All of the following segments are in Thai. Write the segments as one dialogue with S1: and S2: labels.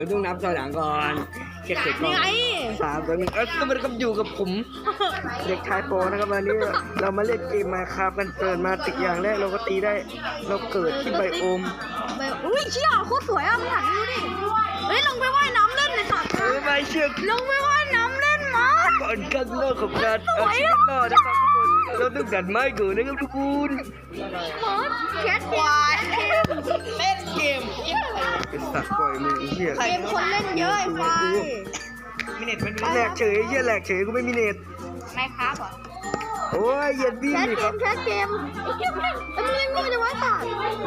S1: ต้องนับถอยหลังก่อนเช็คเสร็จก่อน3 2 1ก็มันก็อยู่กับผมเด็กชายโปนะครับวันนี้เรามาเล่นเกมมาคาบกันเกิดมาติดอย่างแรกเราก็ตีได้เราเกิดที่ไบโอม
S2: อุ้ยเชี่ยโคตรสวยอ่ะมึงหันดูดิเฮ้ยลงไปว่ายน้ำเล่นในสระ
S1: ไม่เชื่อ
S2: ลงไปว่ายน้ำเล่นมา
S1: ก่อนขั้นแรกของการเอาชีวิตรอดนะครับทุกคนเราต้องดัดไม้ก่อนนะครับทุกคน
S2: แคทควายเล่นเกม
S1: เป็นสัตว์ปล่อยมือเหี้ย
S2: เกมคนเล่นเยอะไอ้ควาย
S1: มีเน็ตมันแหลกเฉยเหี้ยแหลกเฉยกูไม่มีเน็ต
S2: ไม่ครับเหรอ
S1: โอ้ยอย่าดิ้นดิครับ
S2: แคทเกมแล้วมึงเล่นก็ไม่ได้ว่าสัตว์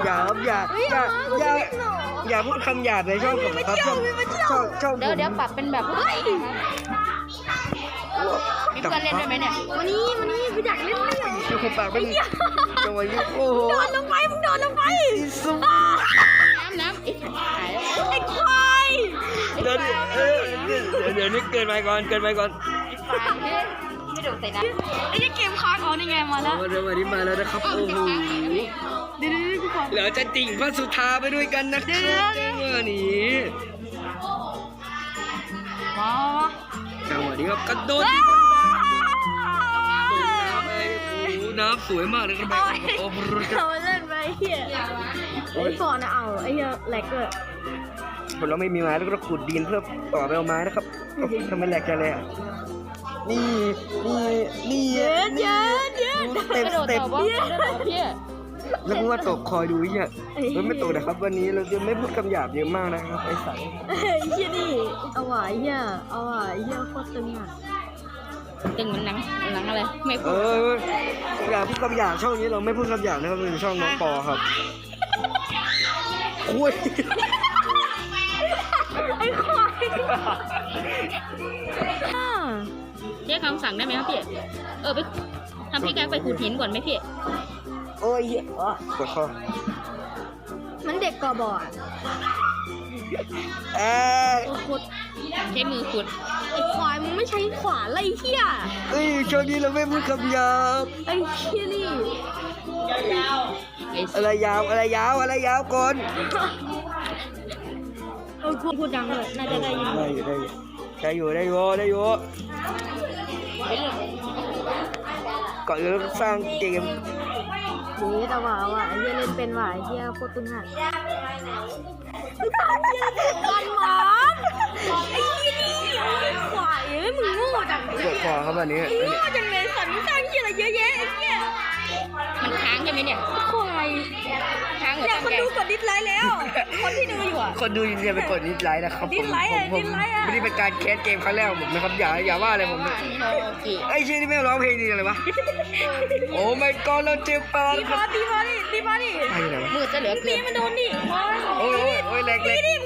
S1: อย่าพูดคำหยาบในช่องผมครับช่อง
S2: เดี๋ยวปรับเป็นแบบเฮ้ยมีเพื่อนเล่นด้วยไหมเนี่ยวันนี้กูอยากเล่นด้วย
S1: ช่วยปากเป็นจังหวะนี้โอ้โห
S2: มึงโดนลงไปน้ำไอ้ควาย
S1: เดี๋ยวนี้เกินไปก่อน
S2: ไม่โดนใส่น้ำไอ้เกมค้างนี่ไงมาแล้ว
S1: วันนี้มาแล้วนะครับโอ้โหเดี๋ยวจะติ่งพระสุธาไปด้วยกันนะครับวันนี้จังหวะนี้ครับกระโดดน้ำสวยมากเลยครับโอ้โห
S2: เราเล่นไปเฮียไอ้ก่อนนะเอาไอ้เหี้ยแหลกเลย
S1: ผมเราไม่มีไม้แล้วก็ขุดดินเพื่อต่อไปเอาไม้นะครับทำไมแหลกกันเลยอ่ะนี่
S2: เยอะ
S1: เต็มแล้วมึงว่าตกคอยดูเนี่ยมันไม่ตกนะครับวันนี้เราจะไม่พูดคำหยาบเยอะมากนะครับไอ้สัตว์
S2: เฮียนี่เอาว่ะเฮียโคตรตึงอ่ะตึงเหมือนหนังอะไรไม่พูด
S1: อย่าพูดคำหยาบช่องนี้เราไม่พูดคำหยาบนะครับเป็นช่องน้องปอครับคุย
S2: ไอ้ควายเรียกคำสั่งได้ไหมครับพี่ไปทำพี่แกไปขูดหินก่อนไหมพี่
S1: โอ้ยกดข้อ
S2: มันเด็กกอบอดขุดใช้มือขุดไอ้ควายมึงไม่ใช้ขวานไรเหี้ย
S1: ช่วงนี้เราไม่พูดคำหยาบ
S2: ไอ้เหี้ยนี่
S1: อะไรยาวก่อน
S2: พูดดังเลยน่าจะได้ยิน
S1: ได้อยู่ก่อนเราสร้างเกม
S2: แต่ว่าไอ้เหี้ยเล่นเป็นว่ะไอ้เหี้ยโคตรตึงอ่ะกันหมอนไอ้เหี้ยนี่ขวายมึงโง่จัง
S1: กดคอครับวันนี้
S2: โง่จังเลยสันสร้างเหี้ยอะไรเยอะแยะไอ้เหี้ยมันค้างใช่ไหมเนี่ยควายค้างเนี่ยคนดูกดดิสไลค์แล้วคนที่ดูอยู่อ่ะ
S1: คนดูยินดีไปกดดิสไลค์นะครับ
S2: ดิสไลค์
S1: ไม่ได้เป็นการแคสเกมครั้งแรกผมนะครับอย่าว่าอะไรผมไอ้ชื่อนี่ไม่ร้องเพลงดีเลยวะโอ้ไม่ก็เราเจ็บปาก
S2: ตีมาดิมือจะเหลือเกินมันโดนดิ
S1: โอ้ยแหลก
S2: ตีดิ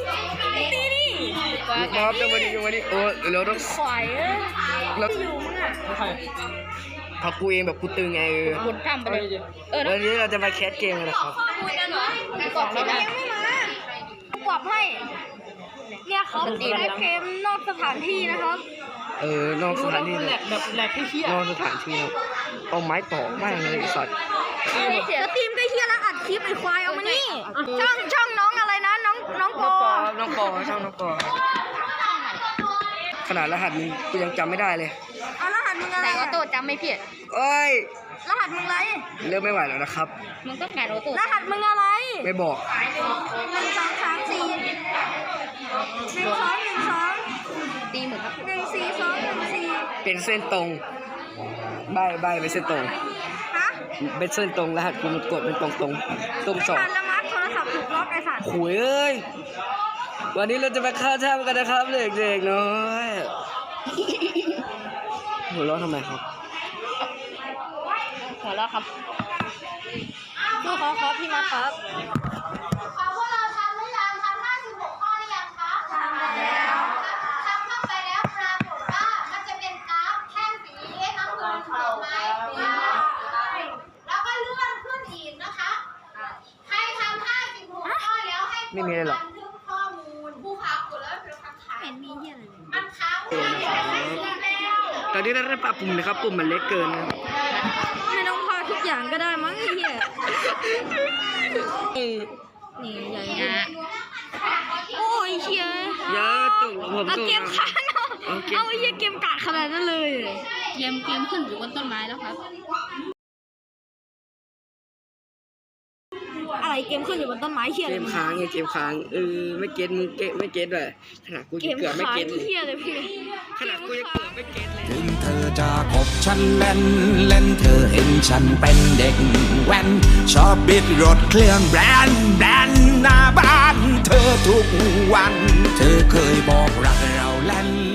S1: ครับจังหวะนี้โอ้เราต้อง
S2: ขวาย
S1: แล้วอยู่มึงอ่ะพอกูเองแบบกูตึงไง
S2: คุณทำไปเลย
S1: วันนี้เราจะมาแคสเกมกันนะครับ
S2: กดไม่มากดให้เนี่ยเขาได้เกมนอกสถานที่นะครับ
S1: นอกสถานที่
S2: แบบแหลกเฮีย
S1: นอกสถานที่เอาไม้ต่อไม่เลยสัตว์
S2: แล้วทีมก็เฮียแล้วอัดคลิปไอ้ควายเอามานี่ช่องน้องอะไรนะน้องปอ
S1: ช่องน้องปอขนาดรหัสมึงกูยังจำไม่ได้เลย
S2: รหัสมึงอะไรออโต้จำไม่ผิดรหัสมึงอะไร
S1: เริ่มไม่ไหวแล้วนะครับ
S2: มึงต้องการออโต้รหัสมึงอะไร
S1: ไม่บอก
S2: 1 2 3 4 1 2ตีเหมือนครับ1 4 2 1 4
S1: เป็นเส้นตรงใบเป็นเส้นตรงเป็นเส้นตรงรหัสกูมันกดเป็นตรง2
S2: ละมัดโทรศัพท์ถูกล็อกไอ้สัตว์
S1: ขุยวันนี้เราจะไปฆ่าท่ากันนะครับเด็กๆน้อยหัวเราะทำไมครับ
S2: หัวเราะครับดูครับพี่มาครับ
S3: พวกเราทำหรือยังทำ56 ข้อหรือยังคะทำแล้วทำเข้าไปแล้วปรากฏว่ามันจะเป็นกราฟแท่งสีน้ำเงินถูกไหมแล้วก็เลื่อนขึ้นอีกนะคะใครทำ56 ข้อแล้วให้กดบันทึกข้อมูลผู้ค้ากดแล้วเป็นคำถาม
S2: มีเหี้ยอะไร
S3: มันค้างไว้
S1: ตอนนี้เราได้ปรับปุ่มนะครับปุ่มมันเล็กเกินนะ
S2: ให้น้องพาทุกอย่างก็ได้มั้งไอ้เหี้ยนี่ใหญ่นะโอ้ยเชีย
S1: อย่าตกผม
S2: เอา
S1: ตก
S2: เกมค้างเอาไอ้เหี้ยเกมกาดขนาดนั้นเลย
S4: เกมขึ้นอยู่บนต้นไม้แล้วครับ
S2: อะไรเกมขึ้นอยู่บนต้นไม้เหี้ย
S1: เก
S2: อะไร
S1: มค้างไงเกมค้างไม่เก็ตมึงไม่เก็ตเลยขนาดกู
S2: เก
S1: จะ
S2: ม
S1: เกือบไม่
S2: ค้าง
S1: เก็ตเลย
S2: เหี้ยเลยพี่
S1: ขนาดกูจะเกือบไม่เก็ตเลย
S5: ถึงเธอจะคบฉันเล่นเล่นเธอเห็นฉันเป็นเด็กแว้นชอบบิดรถเครื่องแบรนด์หน้าบ้านเธอทุกวัน เธอเคยบอกรักเราเล่น